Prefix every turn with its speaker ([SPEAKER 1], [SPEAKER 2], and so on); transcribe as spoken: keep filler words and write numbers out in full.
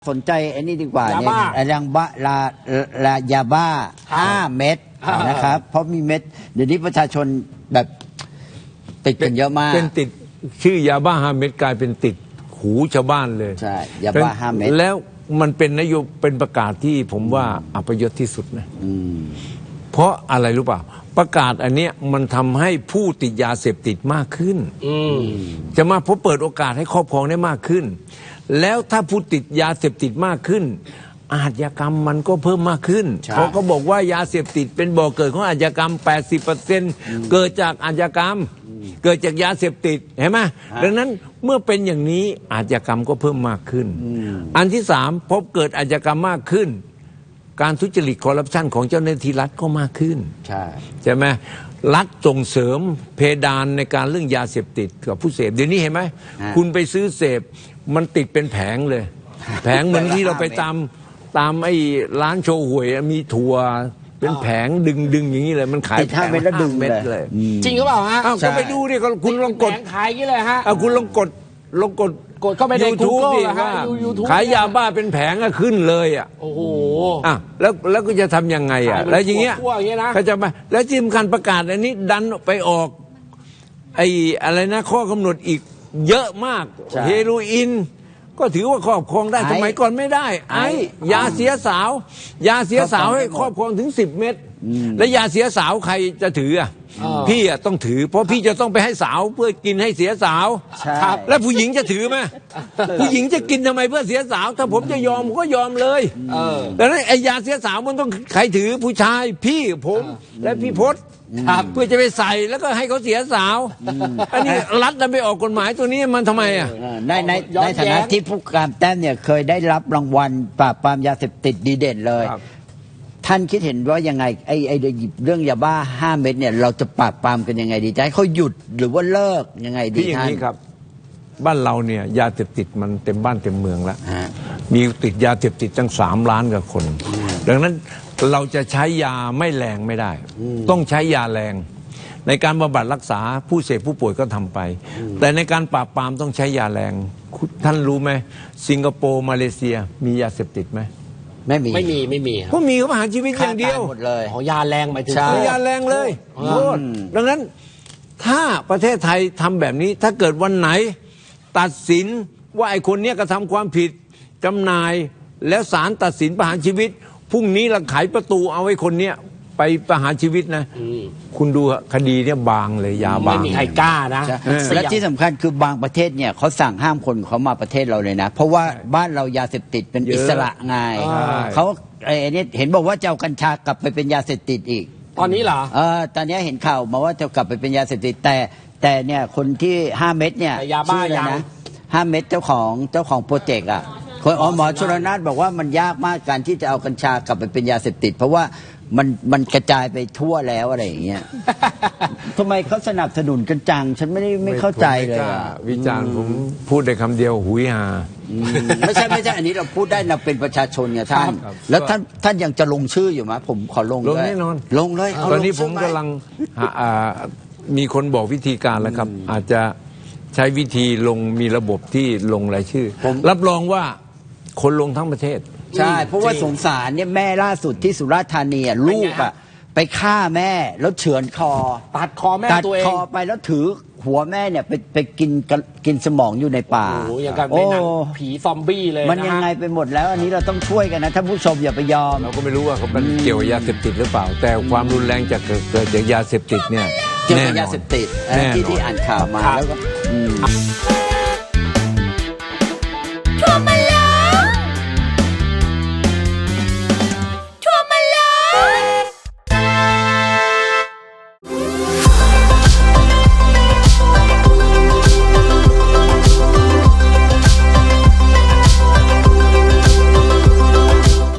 [SPEAKER 1] สนใจไอ้นี่ดีกว่าเนี่ย
[SPEAKER 2] ยาบ้า
[SPEAKER 1] ไอ้ยังบ้าลาลายาบ้าห้าเม็ดนะครับเพราะมีเม็ดเดี๋ยวนี้ประชาชนแบบติดกันเยอะมาก
[SPEAKER 3] เป็นติดชื่อยาบ้าห้าเม็ดกลายเป็นติดหูชาวบ้านเลย
[SPEAKER 1] ใช่ยาบ้าห้าเม็ด
[SPEAKER 3] แล้วมันเป็นนโยบายเป็นประกาศที่ผมว่าอัปยศที่สุดนะเพราะอะไรรู้เปล่าประกาศอันเนี้ยมันทำให้ผู้ติดยาเสพติดมากขึ้นจะมาเพราะเปิดโอกาสให้ครอบครองได้มากขึ้นแล้วถ้าผู้ติดยาเสพติดมากขึ้นอาชญากรรมมันก็เพิ่มมากขึ้นเขาก็บอกว่ายาเสพติดเป็นบ่อเกิดของอาชญากรรม แปดสิบเปอร์เซ็นต์ เกิดจากอาชญากรรมเกิดจากยาเสพติดเห็นไหมดังนั้นเมื่อเป็นอย่างนี้อาชญากรรมก็เพิ่มมากขึ้นอันที่สามพบเกิดอาชญากรรมมากขึ้นการทุจริตคอร์รัปชันของเจ้าหน้าที่รัฐก็มากขึ้นใช่ใช่ไหมรัฐส่งเสริมเพดานในการเรื่องยาเสพติดกับผู้เสพเดี๋ยวนี้เห็นไหมคุณไปซื้อเสพมันติดเป็นแผงเลยแผงเหมือนที่เราไปตามตามไอ้ร้านโชว์หวยมีถั่วเป็นแผงดึงดึงอย่างนี้เลยมันขาย
[SPEAKER 1] ติดห้าเม็ดแล้วดึงเม็ดเลย
[SPEAKER 2] จริงหรือเปล่าฮะ
[SPEAKER 3] ก็ไปดูดิคุณลองกด
[SPEAKER 2] แผงขายกี่เลยฮะ
[SPEAKER 3] เอาคุณลองกดลองกด
[SPEAKER 2] กดเข้าไปใน
[SPEAKER 3] YouTube ดิว่าขายยาบ้าเป็นแผงอะขึ้นเลยอ่ะ
[SPEAKER 2] โอ้โห
[SPEAKER 3] อ่ะแล้วแล้วก็จะทำยังไงอ่ะแล้วอย่างเงี้ยเขาจะมาแล้วที่สำคัญประกาศอันนี้ดันไปออกไอ้อะไรนะข้อกำหนดอีกเยอะมากเฮโรอีนก็ถือว่าครอบครองได้สมัยก่อนไม่ได้ไอ้ยาเสียสาวยาเสียสาวให้ครอบครองถึงสิบเม็ดแล้วยาเสียสาวใครจะถืออ่ะพี่อ่ะต้องถือเพราะพี่จะต้องไปให้สาวเพื่อกินให้เสียสาวครับแล้วผู้หญิงจะถือไหมผู้หญิงจะกินทำไมเพื่อเสียสาวถ้าผมจะยอมผมก็ยอมเลยแต่นั้นไอ้ยาเสียสาวมันต้องใครถือผู้ชายพี่ผมและพี่พศเพื่อจะไปใส่แล้วก็ให้เขาเสียสาวอันนี้รัฐจะไปออกกฎหมายตัวนี้มันทำไมอ่ะ
[SPEAKER 1] ในในในฐานะที่ผู้การแต้มเนี่ยเคยได้รับรางวัลปราบปรามยาเสพติดดีเด่นเลยท่านคิดเห็นว่ายังไงไอ้ไอ้เรื่องยาบ้าห้าเม็ดเนี่ยเราจะปราบปรามกันยังไงดีจะให้เขาหยุดหรือว่าเลิกยังไงดีท่าน
[SPEAKER 3] อย่างนี้ครับบ้านเราเนี่ยยาเสพติดมันเต็มบ้านเต็มเมืองแล้วมีติดยาเสพติดตั้งสามล้านกว่าคนดังนั้นเราจะใช้ยาไม่แรงไม่ได้ต้องใช้ยาแรงในการบำบัดรักษาผู้เสพผู้ป่วยก็ทำไปแต่ในการปราบปรามต้องใช้ยาแรงท่านรู้ไหมสิงคโปร์มาเลเซียมียาเสพติดไหม
[SPEAKER 1] ไม่มี
[SPEAKER 2] ไม่มีไม่มี
[SPEAKER 3] ก็มีเขาประหารชีวิตอย่างเดียว
[SPEAKER 1] หมดเลย
[SPEAKER 2] อ๋อยาแรงหมายถึง
[SPEAKER 3] ยาแรงเลยโทษดังนั้นถ้าประเทศไทยทำแบบนี้ถ้าเกิดวันไหนตัดสินว่าไอ้คนนี้กระทำความผิดจำหน่ายแล้วศาลตัดสินประหารชีวิตพรุ่งนี้เราไขประตูเอาไอ้คนเนี้ยไปประหารชีวิตนะคุณดูคดีเนี่ยบางเลยยาบาง
[SPEAKER 2] ไม่มีใครกล้านะ
[SPEAKER 1] และที่สำคัญคือบางประเทศเนี่ยเขาสั่งห้ามคนเขามาประเทศเราเลยนะเพราะว่าบ้านเรายาเสพติดเป็นอิสระไงเขาไอ้นี่เห็นบอกว่าจะเอากัญชากลับไปเป็นยาเสพติดอีก
[SPEAKER 2] ตอนนี้เหรอ
[SPEAKER 1] เออตอนนี้เห็นข่าวมาว่าจะกลับไปเป็นยาเสพติดแต่แต่เนี่ยคนที่ห้าเม็ดเนี่ย
[SPEAKER 2] ยาบ้าเลย
[SPEAKER 1] นะห้าเม็ดเจ้าของเจ้าของโปรเจกต์อ่ะคนอ๋อหมอชลนาถบอกว่ามันยากมากการที่จะเอากัญชากลับไปเป็นยาเสพติดเพราะว่ามันมันกระจายไปทั่วแล้วอะไรอย่างเงี้ยทำไมเขาสนับสนุนกันจังฉันไม่ได้ไม่เข้าใจเลย
[SPEAKER 3] วิจารณ์ผมพูดได้คำเดียวหุยหา
[SPEAKER 1] ไม่ใช่ไม่ใช่อันนี้เราพูดได้เราเป็นประชาชนไงท่านแล้วท่านท่านยังจะลงชื่ออยู่ไหมผมขอลง
[SPEAKER 3] ลงแน่นอน
[SPEAKER 1] ลงเลย
[SPEAKER 3] ตอนนี้ผมกำลังมีคนบอกวิธีการแล้วครับอาจจะใช้วิธีลงมีระบบที่ลงรายชื่อรับรองว่าคนลงทั้งประเทศ
[SPEAKER 1] ใช่เพราะว่าสงสารเนี่ยแม่ล่าสุดที่สุราษฎร์ธานีลูกอ่ะไปฆ่าแม่แล้วเฉือนคอ
[SPEAKER 2] ตัดคอแม่ตัวเอง
[SPEAKER 1] ตัดคอไปแล้วถือหัวแม่เนี่ยไปไปกินกินสมองอยู่ในป่า
[SPEAKER 2] โอ้อย่างกับในหนังผีซอมบี้เลย
[SPEAKER 1] มันยังไงไปหมดแล้วอันนี้เราต้องช่วยกันนะท่านผู้ชมอย่าไปยอม
[SPEAKER 3] เราก็ไม่รู้ว่าเขาเป็นเกี่ยวกับยาเสพติดหรือเปล่าแต่ความรุนแรงจากเกิดจากยาเสพติดเนี่ย
[SPEAKER 1] เกี่ยวกับยาเสพติดที่ที่อ่านข่าวมาแล้วก็